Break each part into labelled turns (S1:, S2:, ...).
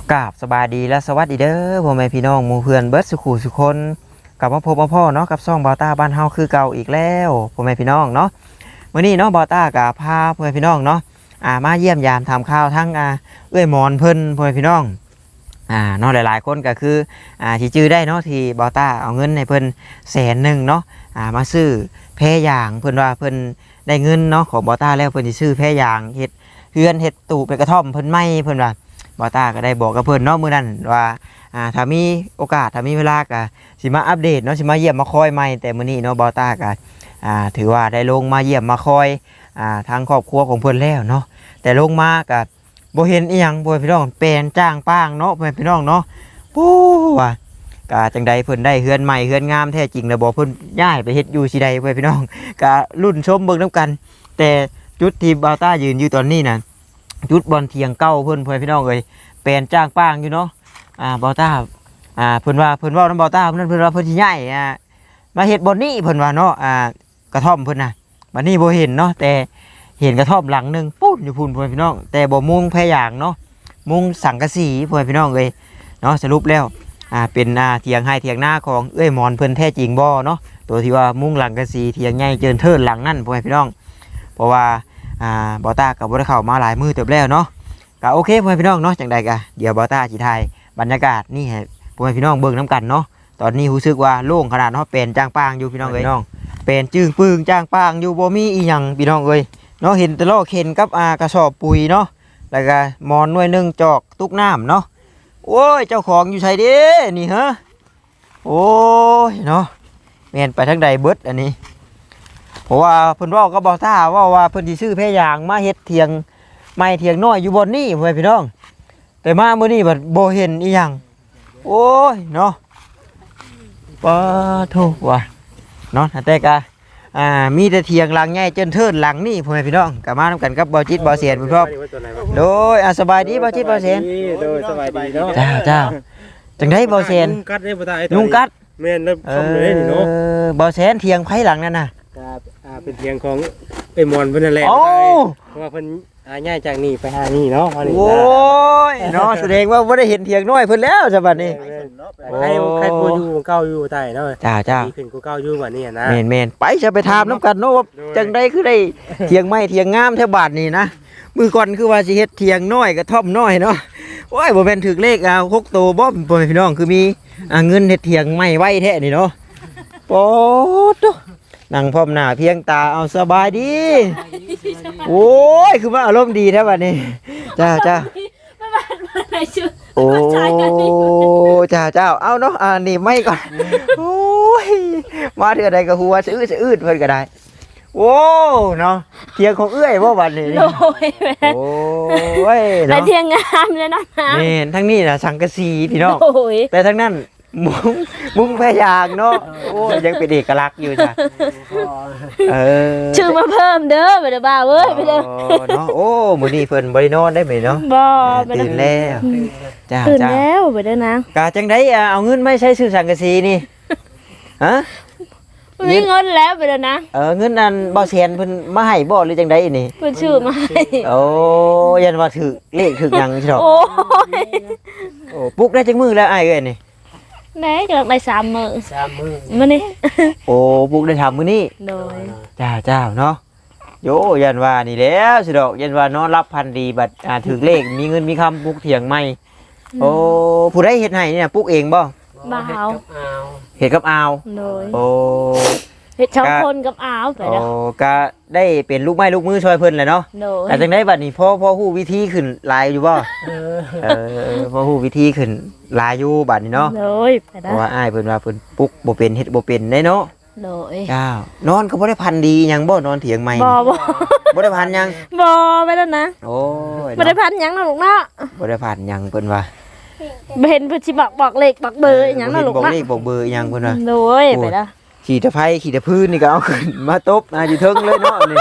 S1: กราบสบายดีและสวัสดีเด้อพ่อแม่พี่น้องหมู่เพื่อนเบิร์ดสุขุสุคนกลับมาพบมาพ่อเนาะกับซ่องบอต้าบ้านเฮาคือเก่าอีกแล้วพ่อแม่พี่น้องเนาะวันนี้เนาะบอต้ากับพาพ่อแม่พี่น้องเนาะมาเยี่ยมยามทำข้าวทั้งเอื้อยมอนเพิ่นพ่อแม่พี่น้องเนาะหลายๆคนก็คือที่จื้อได้เนาะที่บอต้าเอาเงินให้เพิ่น100,000เนาะมาซื้อแพรยางเพิ่นว่าเพิ่นได้เงินเนาะของบอต้าแล้วเพิ่นสิซื้อแพรยางเฮ็ดเฮือนเฮ็ดตู้เป็นกระท่อมเพิ่นไม่เพิ่นว่าบอต้าก็ได้บอกกับเพิ่นเนาะมื้อนั้นว่าถ้ามีโอกาสถ้ามีเวลาก็สิมาอัปเดตเนาะสิมาเยี่ยมมาคอยใหม่แต่มื้อนี้เนาะบอต้าก็ถือว่าได้ลงมาเยี่ยมมาคอยทางครอบครัวของเพิ่นแล้วเนาะแต่ลงมาก็บ่เห็นอีหยังบ่พี่น้องเป็นจ้างป้างเนาะพี่น้องเนาะปู้ว่าก็จังใดเพิ่นได้เฮือนใหม่เฮือนงามแท้จริงแล้วบ่เพิ่นย้ายไปเฮ็ดอยู่สิใดพี่น้องก็รุ่นชมเบิ่งนํกันแต่จุดที่บอต้ายืนอยู่ตอนนี้น่ะจุดบอลเทียงเก้าเพิ่นพี่น้องเอ้ยเป็นจ้างป้างอยู่เนาะบอต้าเพิ่นว่าน้ำบอต้าเพิ่นว่าเพิ่นสิย้ายมาเฮ็ดบอนนี้เพิ่นว่าเนาะกระท่อมเพิ่นน่ะบัดนี้บ่เห็นเนาะแต่เห็นกระท่อมหลังนึงปุ๊บอยู่พุ่นพี่น้องแต่บ่มุงแพรยางเนาะมุงสังกะสีพี่น้องเอ้ยเนาะสรุปแล้วเป็นเถียงให้เถียงหน้าของเอ้ยหมอนเพิ่นแท้จริงบ่เนาะตัวที่ว่ามุงหลังกะสีเถียงใหญ่เจินเทินหลังนั่นพี่น้องเพราะว่าบอต้าก็บ่ได้เข้ามาหลายมื้อเติบแล้วเนาะก็โอเคพ่อพี่น้องเนาะจังใดก็เดี๋ยวบอต้าสิถ่ายบรรยากาศนี่ให้พ่อพี่น้องเบิ่งน้ำกันเนาะตอนนี้รู้สึกว่าโล่งขนาดเนาะเป็นจ้างป้างอยู่พี่น้องเอ้ยน้องเป็นจึงปึ้งจ้างป้างอยู่บ่มีอีหยังพี่น้องเอ้ยเนาะเห็นแต่ล้อเข็นกับกระสอบปุ๋ยเนาะแล้วก็มอนหน่วยนึงจอกตุกน้ำเนาะโอ้ยเจ้าของอยู่ไสเด้นี่ฮะโอ้ยเนาะแม่นไปทางใดเบิดอันนี้เพราะว่าเพิ่นเว้ากับบอต้าว่าเพิ่นสิซื้อแพรยางมาเฮ็ดเถียงไม่เถียงน้อยอยู่บนนี่พ่อพี่น้องแต่มาเมื่อนี้บัดบ่เห็นอีหยังโอ้ยเนาะปะโถว่ะเนาะแต่ก็มีแต่เถียงหลังใหญ่จนเทินหลังนี่พ่อพี่น้องก็มานำกันกับบ่จิตบ่เสียนพี่น้องโดยสบายดีบ่จิตบ่เสียน
S2: โดยสบายดีเนาะ
S1: เจ้าจังได๋บ่เสียน
S2: ยุงกัดได้บ่ตาย
S1: ยุงกัด
S2: แม่นแล้วคำเลยนี่เนาะ
S1: บ่เสียนเถียงไผหลังนั่นน่ะ
S2: ครับเป็นเถียงของไอ้มอนเพิ่นนั่นแหละเพราะว่าเพิ่นย้ายจากนี่ไปหานี่เนาะ
S1: โอ้ยเนาะแสดงว่าบ่ได้เห็นเถียงน้อยเพิ่นแล้วจ้ะบัดนี้
S2: ใครกูอยู่เก่าอยู่ใต้เนาะ
S1: จ้า
S2: ขึ้นกูเก่าอยู่บัดนี้นะ
S1: แม่นไปจะไปถามน้ำกันเนาะว่าจังได๋คือได้เถียงไม้เถียงงามแถวบ้านนี่นะมื้อก่อนคือว่าสิเฮ็ดเถียงน้อยกระท่อมน้อยเนาะโอ้ยบ่แม่นถึกเลข6โตบ่พ่อพี่น้องคือมีเงินเฮ็ดเถียงไม้ไว้แท้นี่เนาะโป๊ดนั่งพร้อมหน้าเพียงตาเอาสบายดีโอ้ยคือว่าอารมณ์ดีแท้บัดนี้จ้าโอ้จ้าเอาเนาะนี่ไม่ก่อนโอ้ยมาเถื่อใดก็หัวสะอื้นเพิ่นก็ได้โอ้เนาะเทียงของเอื้อยบ่บัดนี้โอ้ยเนาะ
S3: เทียงงามเลยนะ
S1: นี่ทั้งนี้น่ะสังกะสีพี่น้องแต่ทั้งนั้นมุ้งแพรยางเนาะโอ้ยังเป็นเอกลักษณ์อยู่จ้ะ
S3: ชื่อมาเพิ่มเด้อไปเด้อบ่าวเอ้ยไปเด้อ
S1: เนาะโอ้มื้อนี้เพิ่นบ่ได้นอนได้มั้ยเนาะ
S3: บ่
S1: ตื่นแล้วจ้า
S3: ตื่นแล้วไปเด้อนาง
S1: กะจังได๋เอาเงินไม่ใช้ซื้อสังกะสีนี่ฮะ
S3: มีเงินแล้วไปเด้อนะ
S1: เงินนั้นบ่แสนเพิ่นมาให้บ่หรือจังได๋นี่
S3: เพิ่นชื่อมาให้
S1: โอ้ยันว่าถูกเลขถูกหยังสิดอก
S3: โอ้
S1: ปลุกได้จังมื้อแล้วอ้ายเอ้ยนี่
S3: ได้กำลังได้3 มื้อมื้อนี้
S1: โอ้ปลุกได้ทำมื้อนี้
S3: โดย
S1: จ้าเนาะโยยันว่านี่แล้วสิดอกยันว่านอนรับพันดีบัดถูกเลขมีเงินมีคำปลุกเถียงใหม่โอ้ผู้ใดเฮ็ดให้เนี่ยปลุกเองบ่
S3: บ่าว
S1: เฮ็ดกับอาว
S3: โดย
S1: โอ้
S3: เฮ็ด2คนกับอาวไปเด้อ
S1: โอ้ก็ได้เป็นลูกไม้ลูกมือช่วยเพิ่นแหละเนาะแต่จังได๋บัดนี้พอฮู้วิธีขึ้นหลายอยู่บ่พอฮู้วิธีขึ้นหลายอยู่บัดนี้เนาะ
S3: โดยไป
S1: เพราะว่าอ้ายเพิ่นว่าเพิ่นปลุกบ่เป็นเฮ็ดบ่เป็นได้เนาะ
S3: โดย
S1: จ้านอนก็บ่ได้พันดีหยังบ่นอนเถียงใหม่บ่ได้พันหยัง
S3: บ่ไปแล้วนะ
S1: โอ้ย
S3: บ่ได้พันหยังนะลูกเนาะ
S1: บ่ได้พันหยังเพิ่นว่า
S3: เห็นเพิ่นสิบอกเลขบอกเบอร์หยังนะลูก
S1: บอกเลขบอกเบอร์หยังเพิ่นว่า
S3: โดยไปแล้ว
S1: ขี่ตะไคร้ขี่ตะพื้นนี่ก็เอาขึ้นมาตบอยู่เทิงเลยเนาะนี่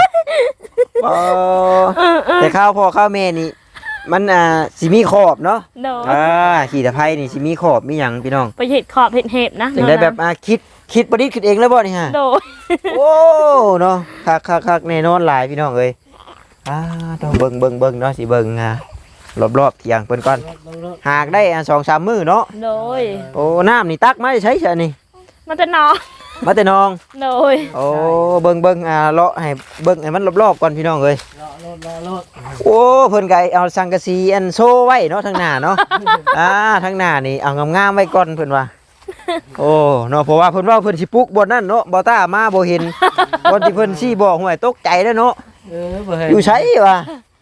S1: แต่ข้าวพ่อข้าวแม่นี่มันสิมีขอบเนาะขี่ตะไคร้นี่สิมีขอบมีหยังพี่น้อง
S3: ไปเห็ดขอบเห็ดนะ
S1: จังได้แบบคิดประดิษฐ์ขึ้นเองแล้วบ่นี่ฮะ
S3: โดย
S1: โอ้เนาะคักแน่นอนหลายพี่น้องเอ้ยต้องเบิ่งเนาะสิเบิ่งรอบๆเที่ยงเพิ่นก่อนหากได้อัน2-3 มื้อเนาะ
S3: โดย
S1: โอ้น้ำนี่ตักมาได้ใช้ซะนี่
S3: มันจะนอน
S1: มาแต่น้อง
S3: โดย
S1: โอ้เบิ่งเลาะให้เบิ่งให้มันรอบๆก่อนพี่น้องเอ้ย
S2: รถ
S1: โอ้เพิ่นก็เอาสังกะสีอันโซไว้เนาะทางหน้าเนาะ ทางหน้านี่เอางามๆไว้ก่อนเพิ่นว่าโอ้เนาะเพราะว่าเพิ่นว่าเพิ่นสิปลุกบ่นั่นเนาะบ่ต้ามาบ่เห็นบ่ที่เพิ่นสิบอกห่วยตกใจเด้อเนาะ
S2: บ่ให้
S1: อยู่ไสวะ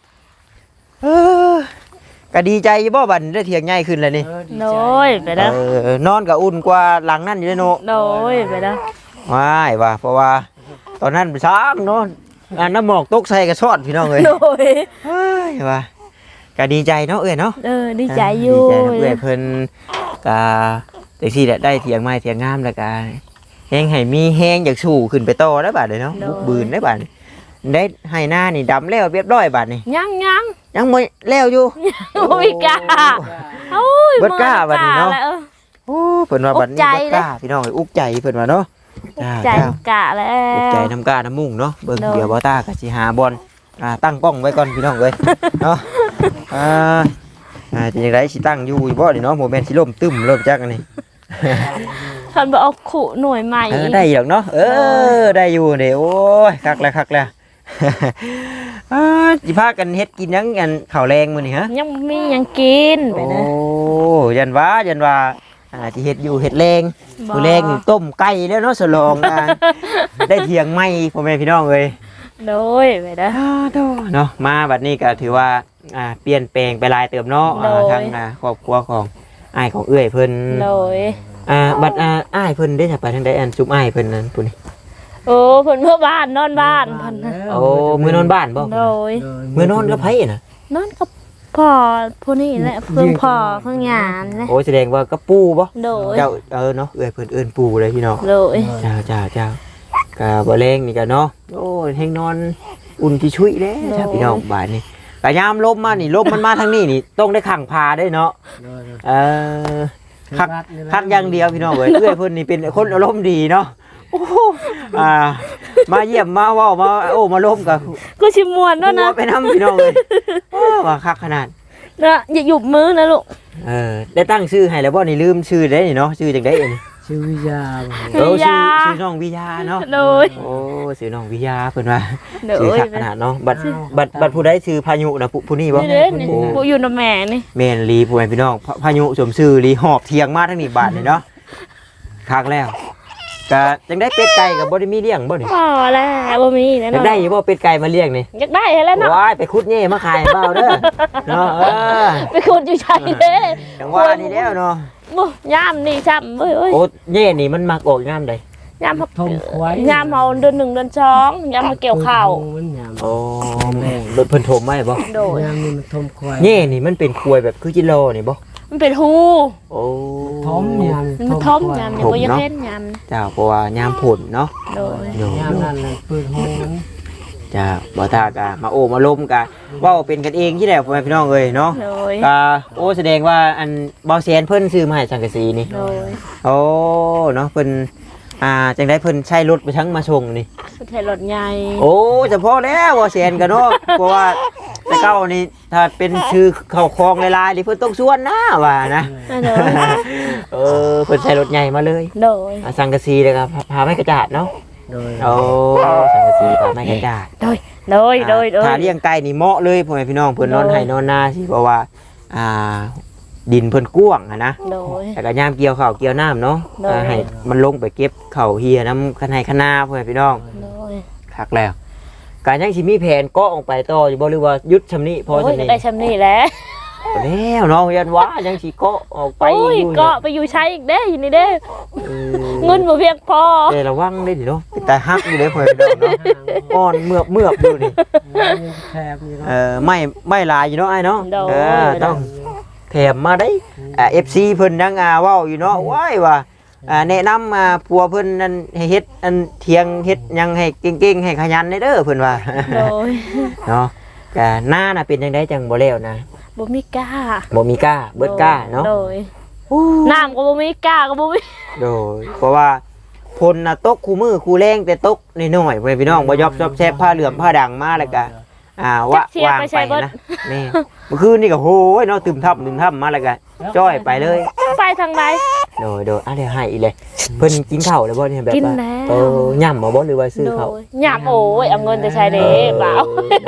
S1: ก็ดีใจอยู่บ่บัดนี้ได้เถียงใหญ่ขึ้นแล้วนี่
S3: โดยไปเด้อน
S1: อนก็อุ่นกว่าหลังนั้นอยู่เด้อเนาะ
S3: โดยไปเด้อ
S1: ว้ายว่าเพราะว่าตอนนั้นช้างเนาะน้ำหมอกตกใส่กระชอนพี่น้องเอ้ย
S3: โดย
S1: เฮ้ยว่าก็ดีใจเนาะเอ้ยเนาะ
S3: ดีใจอยู่
S1: ดีใจนะเอ้ยเพิ่นก็จังซี่แหละได้เถียงไม้เถียงงามแล้วก็แฮงให้มีแฮงอยากสู้ขึ้นไปต่อได้บาดเลยเนาะบุกบืนได้บาดนี้ได้ให้หน้านี่ดำแล้วเรียบร้อยบาดนี้
S3: ยัง
S1: ยังบ่แล้วอยู่
S3: โอ้ยกล้าโอ้ย
S1: เบิดกล้าบัดนี้เนาะ
S3: แล้ว
S1: โอ้เพิ่นว่าบัดนี้
S3: อุกใจ
S1: เบิดกล้าพี่น้องเอ้ยอุกใจเพิ่นว่าเนาะ
S3: ใจ
S1: จ้า
S3: กะแล้
S1: อุกใจ
S3: ว
S1: น้ำกาน้ำมุ่งเนาะเบิ่ง
S3: เนาะ
S1: เดี๋ยวบ่ตาก็สิหาบอลตั้งกล้องไว้ก่อนพี่น้องเอ้ยเนาะจะยังไงสิตั้งอยู่บ่นี่เนาะโมเมนต์สิล่มตึ้มเริ่มจักอันนี้
S3: ท่านบอกเอาขู่หน่วยใหม่
S1: ได้อยู่เนาะได้อยู่เด้โอ้ยคักแล้วสิพากันเฮ็ดกินหยังกันข้าวแรงมื้อนี้ฮะ
S3: ยังมียังกินไป
S1: โอ้
S3: นะ
S1: ยันว่าที่เฮ็ดอยู่เฮ็ดแรง
S3: บ่
S1: มื้อแรงนี่ต้มไก่แล้วเนาะฉลองได้เที่ยงใหม่พ่อแม่พี่น้องเอ้ย
S3: โดยไปนะ
S1: เนาะมาบัดนี้ก็ถือว่าเปลี่ยนแปลงไปหลายเติมเนาะทางครอบครัวของอ้ายของเอื้อยเพิ่น
S3: โดย
S1: บัดอ้ายเพิ่นได้จะไปทางใดอันซุมอ้ายเพิ่นนั้นปุ่นนี่
S3: โอ้เพิ่นเมื่อบ้านนอนบ้านเพิ่นนะ
S1: โอ้มื้อนอนบ้านบ่
S3: โดย
S1: มื้อนอนกับไผน่ะ
S3: นอนกับพ่อผู้นี้แหละเพิ่งพ่อเพิ่งงานนะ
S1: โอ้แสดงว่ากับปู่บ่
S3: โดย
S1: เจ้าเนาะเอื้อยเพิ่นเอิ้นปู่เลยพี่น้อง
S3: โดย
S1: เจ้าก็บ่แรงนี่ก็เนาะโอ้แฮงนอนอุ่นที่ชุยเด้จ้าพี่น้องบ้านนี้ก็ยามลมมานี่ลมมันมาทางนี้นี่ต้องได้ขังพาได้เนาะคักอย่างเดียวพี่น้องเอ้ยเอื้อยเพิ่นนี่เป็นคนอารมณ์ดีเนาะโอ้มาเยี่ยมมาเว้ามามาล้มกับ
S3: ก็ชิมวนด้วยนะ
S1: ไปนำพี่น้องเลยว่าคักขนาด
S3: นะอย่าหยุบมือนะลูก
S1: ได้ตั้งชื่อให้แล้วบ่นี่ลืมชื่อได้นี่เนาะชื่อจังได๋นี่
S2: ชื่อวิยา
S1: ชื่อน้องวิยาเนาะ
S3: โดย
S1: โอ้ชื่อน้องวิยาเพิ่นว่า
S3: โด
S1: ชื่อย คักขนาดเนาะบัดผู้ใดชื่อพายุนะผู้นี้บ่
S3: นี่เด้นี่ผู้อยู่นำแม่นี่
S1: แม่นลีผู้พี่น้องพายุสมชื่อลีหอบเทียงมาทั้งนี้บาดนี่เนาะคักแล้วก็จังได้เป็ดไก่ก็บ่ได้มีเลี้ยงบ่นี่
S3: พอแล้วบ่มีแน่
S1: อยาน
S3: อก น
S1: ได้อยู่บ่เป็ดไก่มาเลี้ยงนี่
S3: อยากได้แล้วเนาะ
S1: ว้ายไปคุดเง่มาขายเปล่าเด้อเนาะ
S3: ไปขุดอยู่ใช่เด้
S1: จังว่านี่แล้วเนาะ
S3: บ่ยามนี่ซ้ำเอ้ย
S1: โอ้เง่นี่มันมักออกงามใด
S3: ยาม
S2: ทมควาย
S3: ยามเฮาเดือน1เดือน2ยามเฮาเกี่ยวข้าว
S2: มันยาม
S1: โอ้รถเพิ่นโทมไว้บ่
S3: โดย
S2: ยามนี่มันทมควาย
S1: เง่นี่มันเป็นควยแบบคือจิโลนี่บ่
S3: มันเป็นฮู
S1: โอ้
S2: ทมยาม
S3: มันทมยามยังบ่อยากเห็นยาม
S1: เจ้าเพราะว่ายามผลเนาะ
S3: โดย
S1: โย
S2: ยามนั้นเลยเปิดหู
S1: จ้าบ่ตากะมามาล้มกะเว้าเป็นกันเองที่แหละพ่อแม่พี่น้องเอ้ยเนาะ
S3: โดย
S1: กะโอ้แสดงว่าอันเบาแสนเพิ่นซื้อมาให้สังกะสีนี่
S3: โดย
S1: โอ้เนาะเพิ่นจังได้เพิ่นใช้รถไปทั้งมาส่งนี่
S3: ประเทศรถใหญ่
S1: โอ้เฉพาะแล้วว่าแสนกันเนาะ เพราะว่าแต่เก้านี่ถ้าเป็นชื่อเข้าคลองลายๆนี่เพิ่นต้องส่วนนะว่านะ
S3: โดย
S1: เพิ่นใช้รถใหญ่มาเลย
S3: โดย
S1: สังกะสีแล้วก็พาไม้กระจาดเนาะ
S2: โดย
S1: โอ้สังกะสีพาไม้กระจาด
S3: โดยโดย
S1: ถ้าเลี้ยงไก่นี่เหมาะเลยพ่อแม่พี่น้องเพิ่นนอนให้นอนนาสิเพราะว่าดินเพิ่นกว้างอะนะ
S3: โดย
S1: แต่ก็ยามเกี่ยวข้าวเกี่ยวน้ำเนาะ
S3: โดย
S1: ให้มันลงไปเก็บข้าวเฮียน้ำคันให้คณาพ่อแม่พี่น้อง
S3: โดย
S1: คักแล้วการยังสิมีแผนเกาะออกไปต่ออยู่บ่หรือว่าหยุดชำนี้พอ
S3: โอ้ย
S1: ชำนี้
S3: ได้ชำนี่แหล้ว
S1: แล้วเนาะยันว่ายังสิเกาะออกไป
S3: โอ้ย
S1: อยู่
S3: เกาะไปอยู่ใช้อีกเด้อยู่นี่เด้
S1: เออ
S3: เงินบ่เพียงพอ
S1: แต่ระวังได้ดิเนาะแต่ฮักอยู่เด้พ่อแม่พี่น้องเนาะอ่อนเมือบอยู่นี่
S2: แคบอยู่เนาะ
S1: ไม่หลายอยู่เนาะไอ้เนาะ
S3: โดย
S1: ต้องแถมมาได้FC เพิ่นยังเว้าอยู่เนาะว้ายว่าแนะนำผัวเพิ่นนั่นให้เฮ็ดอันเถียงเฮ็ดหยังให้เก่งๆให้ขยันเด้อเพิ่นว่า
S3: โดย
S1: เนาะก็หน้าน่ะเป็นจังไดจังบ่แล้วนะ
S3: บ่มีกล้า
S1: บ่มีกล้าเบิดกล้าเนาะ
S3: โดยน้ำก็บ่มีกล้าก็บ่มี
S1: โดยเพราะว่าพลน่ะตกคู่มือคู่แรงแต่ตกน้อยๆเว้ยพี่น้องบ่ยอบซอบแซบผ้าเหลื่อมผ้าด่างมาแล้วก็วางไปนะนี่เมื่อคืนนี่ก็โหยเนาะตึมทับมาแล้วก็จ้อยไปเลย
S3: ไปทางใด
S1: โดยเดี๋ยวให้อีเลยเพิ่นกินข้าวแล้วบ่เนี่ยแบบ
S3: กิน
S1: ว่า
S3: แล้ว
S1: ย่ำบ่หรือว่าซื้อข้าว
S3: หยาบโอ้ยเอาเงินจะใช้เด้เปล่า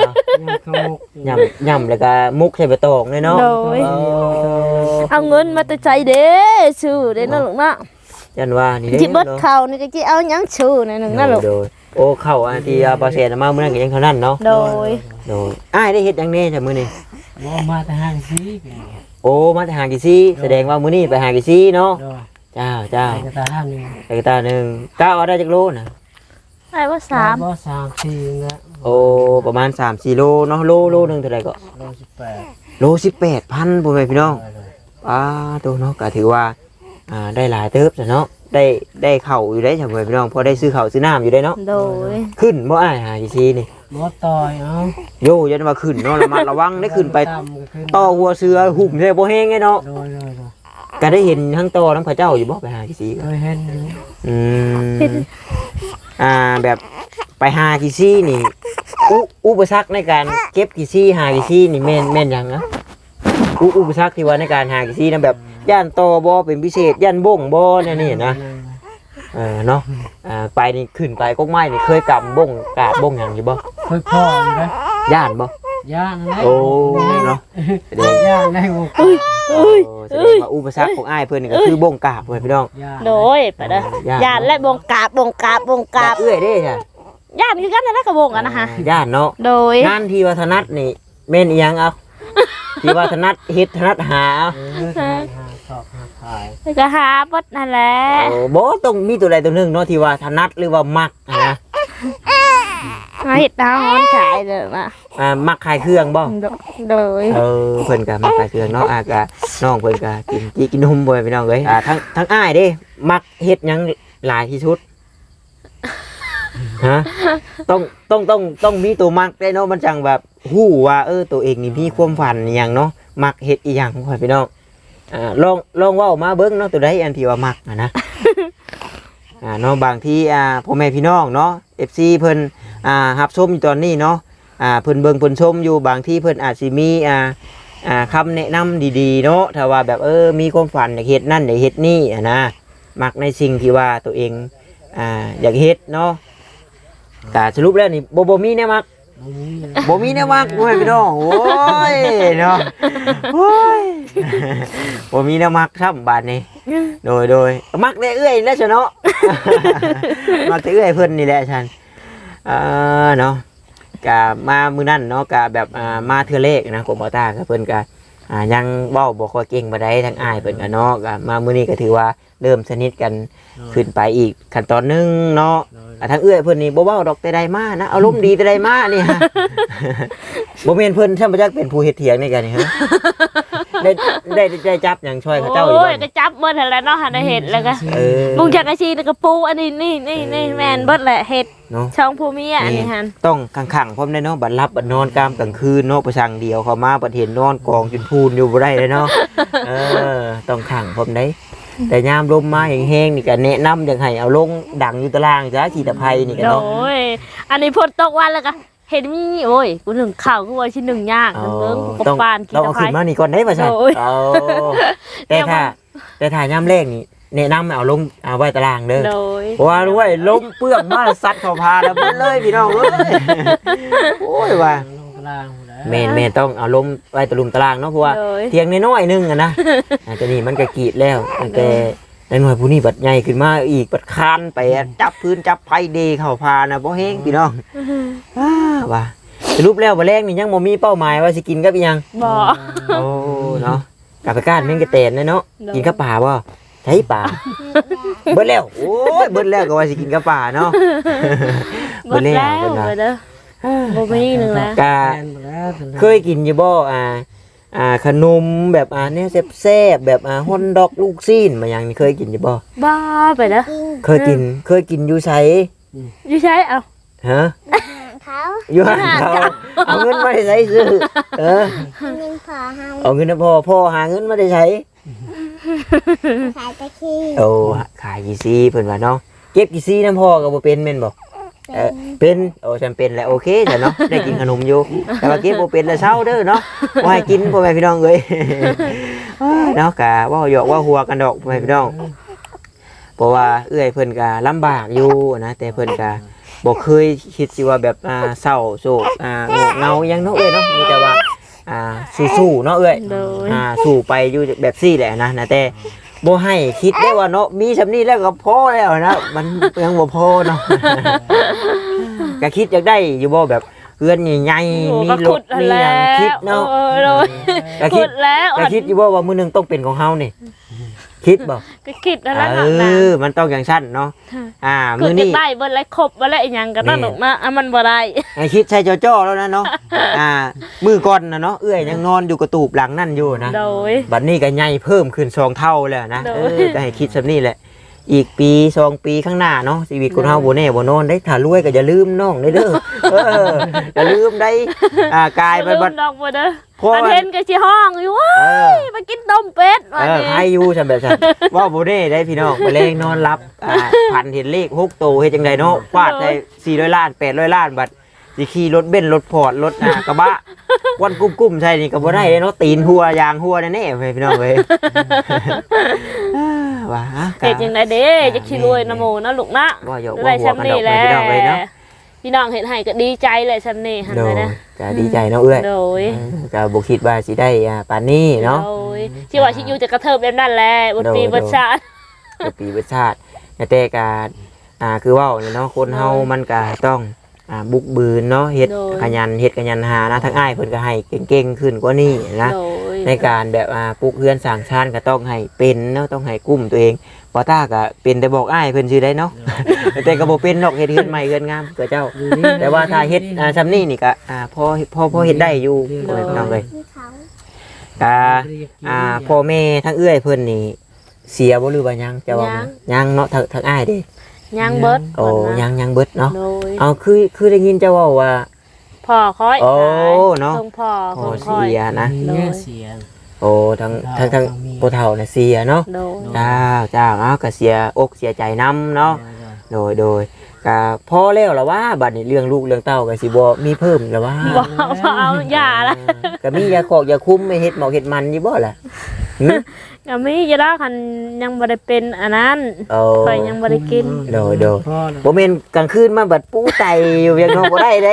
S1: ย่ำแล้วก็มุกใส่ใบตองเลยเนาะ
S3: โดยเอาเงินมาแต่ใจเด้ชื่อเด้นั่นลูกเนาะ
S1: ยันว่านี่เด้
S3: จิเบิดเขานี่ก็จิเอาหยังชื่อในหนึ่งนั่นลูก
S1: โดยโอ้เข้าอันที่ปอเซนมามื้อนั้นก็ยังเท่านั้นเนาะ
S3: โดย
S1: อ้ายได้เฮ็ดหยังแน่จ้ะมื้อนี้
S2: บ่มาแต่ห้างสิ
S1: โอ้มาแต่หากี่ซี่แสดงว่ามื้อนี้ไปหากี่ซี่เนาะ
S2: โดย
S1: เจ้า
S2: ไปกระตาห้างนึง
S1: ไปกระตาหนึงก้าวเอาได้จักโลน่ะ
S3: ไอ้ว่า3
S2: บ่3 4นะ
S1: โอ้ประมาณ 3-4 โลเนาะโลนึงเท่าไหร่ก็
S2: 18
S1: โล 18,000พ่อแม่พี่น้องตัวเนาะก็ถือว่าได้หลายเติบจ้ะเนาะได้เข้าวอยู่ได้จ้ะพ่อแม่พี่น้องพอได้ซื้อข้าวซื้อน้ำอยู่ได้เนาะ
S3: โดย
S1: ขึ้นบ่อ้ายหากี่ซี่นี่
S2: บ่ต่อยเอา
S1: โยยันว่าขึ้นเนาะระมัดระวังได้ขึ้นไป
S2: ต่ำก็ขึ้น
S1: ต่อหัวเสือหุ่มใช่บ่แห้งไงเนาะ
S2: โดย
S1: ก็ได้เห็นทั้งต่อทั้งพระเจ้าอยู่บ่ไปหากี่ซี่
S2: โดยเห็นอยู่
S1: อืมแบบไปหากี่ซี่นี่อุปสรรคในการเก็บกี่ซี่หากี่ซี่นี่แม่นหยังนะอุปสรรคที่ว่าในการหากี่ซี่นะแบบย่านต่อบ่เป็นพิเศษย่านบ่งบ่เนี่ยนี่นะเนาะไปนี่ขึ้นไปกกไม้นี่เคยกำบ่งกาบบ่งหยังอยู่บ่
S2: เคยพ่ออยู่นะ
S1: ย่านบ่
S2: ย่านนะ
S1: โอ้เนาะแสดง
S2: ย่านได้บ่
S1: แสดงว่าอุปสรรคของอ้ายเพิ่นนี่ก็คือบ่งกาบเพิ่นพี่น้อง
S2: ย่าน
S3: โดยไปเด้อญาติและบงกาบบงกาบบงกาบ
S1: เอื้อยเด้จ้ะ
S3: ญาติคือกันนั่นแหละกับบงกันนะคะ
S1: ย่านเนาะ
S3: โดย
S1: งานที่วัฒนัทนี่แม่นอีหยังเอาที่วัฒนัทเฮ็ดถนัดหาเอา
S2: หาสอบหาขาย
S3: ก็หาบดนั่นแหละ
S1: โอ้บ่ต้องมีตัวใดตัวหนึงเนาะที่ว่าถนัดหรือว่ามักนะ
S3: มาเห็ดดาวฮ้อนขายเด้อนะ
S1: มักขายเครื่องบ่
S3: โดย
S1: เพิ่นก็มักขายเครื่องเนาะก็น้องเพิ่นก็กินนมบ่พี่น้องเอ้ยทั้งอ้ายเด้มักเฮ็ดหยังหลายที่สุดฮะต้องมีตัวมักได้เนาะมันจังแบบฮู้ว่าตัวเองนี่มีความฝันอหยังเนาะมักเฮ็ดอีหยังพ่อพี่น้องลองเว้ามาเบิ่งเนาะตัวใดอันที่ว่ามักนะ เนาะบางทีพ่อแม่พี่น้องเนาะ FC เพิ่นรับชมอยู่ตอนนี้เนาะเพิ่นเบิ่งเพิ่นชมอยู่บางทีเพิ่นอาจสิมีคำแนะนำดีๆเนาะถ้าว่าแบบมีความฝันอยากเฮ็ดนั่นอยากเฮ็ดนี่นะมักในสิ่งที่ว่าตัวเองอยากเฮ็ดเนาะแต่สรุปแล้วนี่บ่มีแนวมักบ่มีแนวมักพ่อแม่พี่น้องโอ้ยเนาะโอ้ยบ่มีแนวมักครับบาดนี้โดยมักได้เอื้อยแล้วซะเนาะ มักได้เอื้อยเพิ่นนี่แหละฉันเนาะกะมามื้อนั้นเนาะกะแบบมาเทื่อเลขนะกรมบ่ตาก็เพิ่นก็ยังเว้าบ่ค่อยเก่งปานใดทั้งอ้ายเพิ่นก็เนาะก็มามื้อนี้ก็ถือว่าเริ่มสนิทกันขึ้นไปอีกขั้นตอนหนึงเนาะทั้งเอื้อยเพิ่นนี่บ่เว้าดอกแต่ใดมานะอารมณ์ดีแต่ใดมานี่ฮะ บ่แม่นเพิ่นท่านบ่จักเป็นผู้เฮ็ดเถียงนี่กันนี่ฮะ ได้จับหยังช่วยเขาเจ้าอยู่
S3: โอ้
S1: บ่
S3: ยก็จับเบิดหั่นแหละเนาะหันได้เห็ดแล้วก็
S1: เ
S3: ลุงจักอาชีพกระปูอันนี้นี่แม่นเบิดแหละเห็ด
S1: เนาะ
S3: ช่องภูมิอันนี้หัน
S1: ต้องขังๆพร้อมได้เนาะบัดรับบัดนอนกลางกลางคืนเนาะประชังเดียวเข้ามาบัดเห็นนอนกองจนพูนอยู่บ่ได้เลยเนาะ ต้องขังพร้อมได้แต่ยามลมมาแห้งๆนี่ก็แนะนำอยากให้เอาลงดังอยู่ตารางจ้าขีตะไคร้นี่ก็
S3: โด
S1: เนาะ
S3: ยอันนี้พ่นตกวันแล้วก็เห็นมีโอ้ยกูหนึ่งข่าวกูว่าชิ้นหนึ่งยากหนึ่งเอิ้งกู
S1: ต้อง
S3: ปานกิน
S1: ต้องเอา
S3: ตะไค
S1: ขึ้นมา
S3: ร้
S1: นี่ก่อนได้ป่ะใช่
S3: โอ้ย
S1: แต่ถ้ายามแรกนี่แนะนำเอาลงเอาไว้ตารางเด้อ
S3: โดย
S1: เพราะว่ารู้ว่าลมเปลือกมาซัดเข้าพาแล้วเบิดเลยพี่น้องเอ้ยโอ้ยว่า
S2: ลงกลางหมดแล้ว
S1: แม่นต้องเอาลมไว้ตะลุมตารางเนาะเพราะว่า
S3: โดย
S1: เทียงน้อยๆนึงอะนะแต่นี่มันก็กรีดแล้วแต่ในหน่วยผู้นี้บัดใหญ่ขึ้นมาอีกบัดคานไปจับพื้นจับไผเดเข้าพานะบ่แห้งพี่น้องว่าสรุปแล้วบ่แรงนี่ยังบ่มีเป้าหมายว่าสิกินกับอีหยัง
S3: บ่
S1: โอ้เนาะกลับไปก้านแม่งกระเตนเนาะกินกับป่าบ่ใช้ป่าเบิดแล้วโอ้ยเบิดแล้วก็ว่าสิกินกับป่าเนาะ
S3: หมดแล้วเลยเด้อบ่มีหนึงแล้ว
S1: กะ
S2: แม่นหมดแล้ว
S1: เคยกินอยู่บ่ขนมแบบเนี่ยแซ่บๆแบบฮอนดอกลูกซีนมาอย่างนี้เคยกินอยู่บ่
S3: บ้าไปเด้อ
S1: เคยกินอยู่ไส
S3: อยู่ใช้เอา
S1: ฮะ
S4: เขา
S1: อยู่ห้างเขาเอาเงินมาได้ใช้ซื้อ
S4: เงินพอให้
S1: เอาเงินพ่อหาเงินมาได้ใช้
S4: ขายตะขี้
S1: โอ้ขายกี่ซีเพิ่นว่าเนาะเก็บกี่ซีน้ำพ่อก็บ่เป็นแม่นบ่เป็นโอ้ฉันเป็นแหละโอเคจ้ะเนาะได้กินขนมอยู่แต่ว่ากินบ่เป็นแล้วเช้าเด้อเนาะบ่ให้กินพ่อแม่พี่น้องเอ้ยเนาะกะว่าหยอกว่าหัวกันดอกพ่อแม่พี่น้องเพราะว่าเอื้อยเพิ่นก็ลำบากอยู่นะแต่เพิ่นก็บ่เคยคิดสิว่าแบบเศร้าโศกโงกเงาหยังเนาะเอ้ยเนาะมีแต่ว่าสู้ๆเนาะเอ้ย
S3: โดย
S1: สู้ไปอยู่แบบซี่แหละนะแต่บ่ให้คิดได้ว่าเนาะมีสำนี้แล้วก็พอแล้วนะมันยังบ่พอเนาะ ก็คิดอยากได้อยู่บ่แบบเพื่อนใหญ่ๆมีรถมีหยังคิดเนาะ
S3: โดย
S1: ก็
S3: ขุดแล้ว
S1: ก็คิดอยู่บ่ว่ามื้อนึงต้องเป็นของเฮานี่คิดบ่
S3: ก็คิดแล้วล่ะ
S1: มันต้องอย่างชั้นเนาะมื้
S3: คือ
S1: อ
S3: จะ
S1: นี้
S3: ได้เบิ่นไรครบบ่แล้วอีหยังก็นั่นหรอกนะมันบ่ได้
S1: ให้คิดใส่จ้อๆแล้วนะเนาะมื้อก่อนนะเนาะเอื้อยยังนอนอยู่กระตูบหลังนั่นอยู่นะ
S3: โดย
S1: บัดนี้ก็ใหญ่เพิ่มขึ้น2เท่าแล้วนะ
S3: โดย
S1: ก็ให้คิดซำนี้แหละอีกปี2ปีข้างหน้าเนาะชีวิตคนเฮาบ่แน่บ่นอนได้ถ้ารวยก็อย่าลืมน้องเด้ออย่าลืมได้กายไปบัด
S3: ดอกบ่เด้อ
S1: เพราะ
S3: อัน
S1: ว่า
S3: เห็นก็สิห้องอยู่ว้ายมากินต้มเป็ดว่านี่
S1: ใครอยู่ซั่นแบบซั่นว่าบ่ได้ได้พี่น้องไปเลงนอนรับพันเห็นเลข6โตเฮ็ดจังไดเนาะฟาดได้400ล้าน800ล้านบัดสิขี่รถเบนซ์รถพอร์ตรถกระบะวันกุ้มๆใช่นี่ก็บ่ได้เนาะตีนหัวยางหัวแน่ๆพี่น้องเว้ยว่า
S3: เฮ็ดจังไดเด้จะขี้รวยนะโมนะลูกนะ
S1: ว่าหยอก
S3: ได้
S1: ว่าหัวกันดอก
S3: แหละ
S1: พี่น้องเว้ยเนาะ
S3: พี่น้องเห็นให้ก็ดีใจเลยซั่นนี่หั่น
S1: โด
S3: เลย ยนะ
S1: ก็ดีใจเนาะเอ้ย
S3: โดย
S1: ก็บ่คิดว่าสิได้ปานนี้เนาะ
S3: โดยที่ว่าสิอยู่จะกระเทิบแบบนั้นแหละบ่ปีบ่ชาติ
S1: ก็ปีประชาติแต่ก็คือเว้าเนี่ยเนาะคนเฮามันก็ต้องบุกบืนเนาะเฮ็ดขยันเฮ็ดขยันหานะทั้งอ้ายเพิ่นก็ให้เก่งๆขึ้นกว่านี้นะ
S3: โดย
S1: ในการแบบปลูกเรือนสร้างชานก็ต้องให้เป็นเนาะต้องให้กุ้มตัวเองบ่ต้าก็เป็นแต่บอกอ้ายเพิ่นชื่อได้เนาะ แต่ก็บ่เป็นดอกเฮ็ดเรือนใหม่เรือนงามก็เจ้า แต่ว่าถ้าเฮ็ดซำนี้นี่ก็พอเฮ็ดได้อยู่พี่น้องเอ้ย
S4: ที่เขา
S1: พ่อแม่ทั้งเอื้อยเพิ่นนี่เสียบ่หรือว่ายังจะว่ายังเนาะทั้งอ้ายเด้
S3: ย่างเบิด
S1: โอ้ยังเบิดเนาะ
S3: โดย
S1: เอาคือได้ยินเจ้าเว้าว่า
S3: พ่อคอย
S1: โอ้เนาะ
S3: ส่งพ่อ
S1: โอ้
S3: ส่งคอย
S1: เสียนะ
S3: โดย
S2: เสียง
S1: โอ้ทั้งผู้เฒ่าน่ะเสียเนาะ
S3: โดย
S1: เจ้าเอาก็เสียอกเสียใจนํเนาะโดยก็พอแล้วล่ะว่าบัดนี้เรื่องลูกเรื่องเต้าก็สิบ่มีเพิ่มล่ะว่า
S3: บ่เอาอย่าละ
S1: ก็มียาคอกยาคุมไม่เฮ็ดหมอกเฮ็ดมันอยู่บ่ล่ะหึ
S3: ก็มีจะได้คันยังบ่ได้เป็นอันนั้น
S1: โอ้
S3: ข่อยยังบ่ได้กิน
S1: โดย
S2: พ่อนะ
S1: บ่แม่นกลางคืนมาบัดปูไตอยู่ยังนอนบ่ได้เด้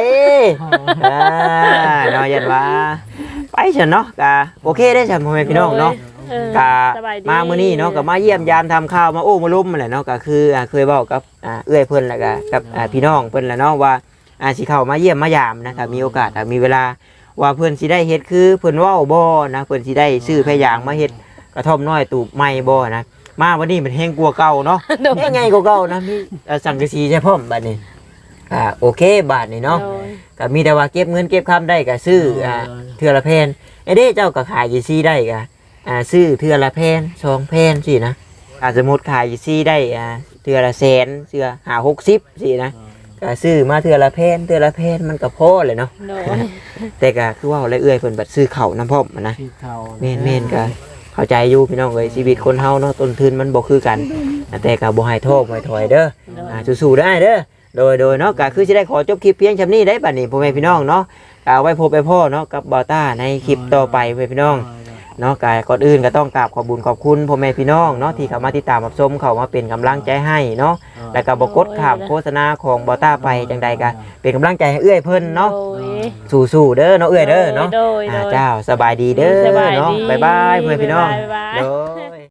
S1: เนาะยันว่าไปซั่นเนาะก็โอเคได้ซั่นพ่อแม่พี่น้องเนาะ ก็
S3: สบยดี
S1: มามื้อนี้เนาะก็มาเยี่ยมยามทำข้าวมาโอ้มาล้มนั่นแหละเนาะก็คือเคยเว้ากับเอื้อยเพิ่นแล้วก็กับพี่น้องเพิ่นแหละเนาะว่าสิเข้ามาเยี่ยมมายามนะถ้ามีโอกาสถ้ามีเวลาว่าเพิ่นสิได้เฮ็ดคือเพิ่นเว้าบ่นะเพิ่นสิได้ซื้อพะยางมาเฮ็ดกระท่อมน้อยตูบใหม่บ่นะมาวันนี้มันแห้งกว่าเก่าเนาะแห้งใหญ่กว่าเก่านะมีสังกะสีใช่พร้อมบัดนี้โอเคบาทนี่เนาะ
S3: โดย
S1: ก็มีแต่ว่าเก็บเงินเก็บคำได้ก็ซื้อเทื่อละแผ่นไอ้เด้เจ้าก็ขายอยู่ซี่ได้ก็ซื้อเทื่อละแผ่น2แผ่นสินะสมมุติขายอยู่ซี่ได้เทื่อละแสนเทื่อ50-60สินะก็ซื้อมาเทื่อละแผ่นมันก็พอเลยเนาะ
S3: โดย
S1: แต่ก็คือว่าเอื้อยเพิ่นบัดซื้อข้าวน้ำพร้อมนะ
S2: ที่เท่า
S1: แม่นก็เข้าใจอยู่พี่น้องเอ้ยชีวิตคนเฮาเนาะต้นทุนมันบ่คือกันแต่ก็บ่ให้โทษบ่ให้ถอยเด้อสู้ๆได้เด้อโดยเนาะก็คือสิได้ขอจบคลิปเพียงส่ำนี้ได้บัดนี้พ่อแม่พี่น้องเนาะก็เอาไว้พบไปพ่อเนาะกับบ่าวต้าในคลิปต่อไปพ่อแม่พี่น้องเนาะก็ก่อนอื่นก็ต้องกราบขอบคุญขอบคุณพ่อแม่พี่น้องเนาะที่เข้ามาติดตามรับชมเข้ามาเป็นกำลังใจให้เนาะแล้วก็บ่กดข้ามโฆษณาของบ่าวต้าไปจังใดก็เป็นกำลังใจให้เอื้อยเพิ่นเนาะ
S3: โดย
S1: สู้ๆเด้อเนาะเอื้อยเด้อเนาะ
S3: โดย
S1: เจ้าสบายดีเด้อ
S3: สบายดี
S1: เนาะบ๊ายบายพ่อแม่พี่น้อง
S3: บ๊ายบาย
S1: โดย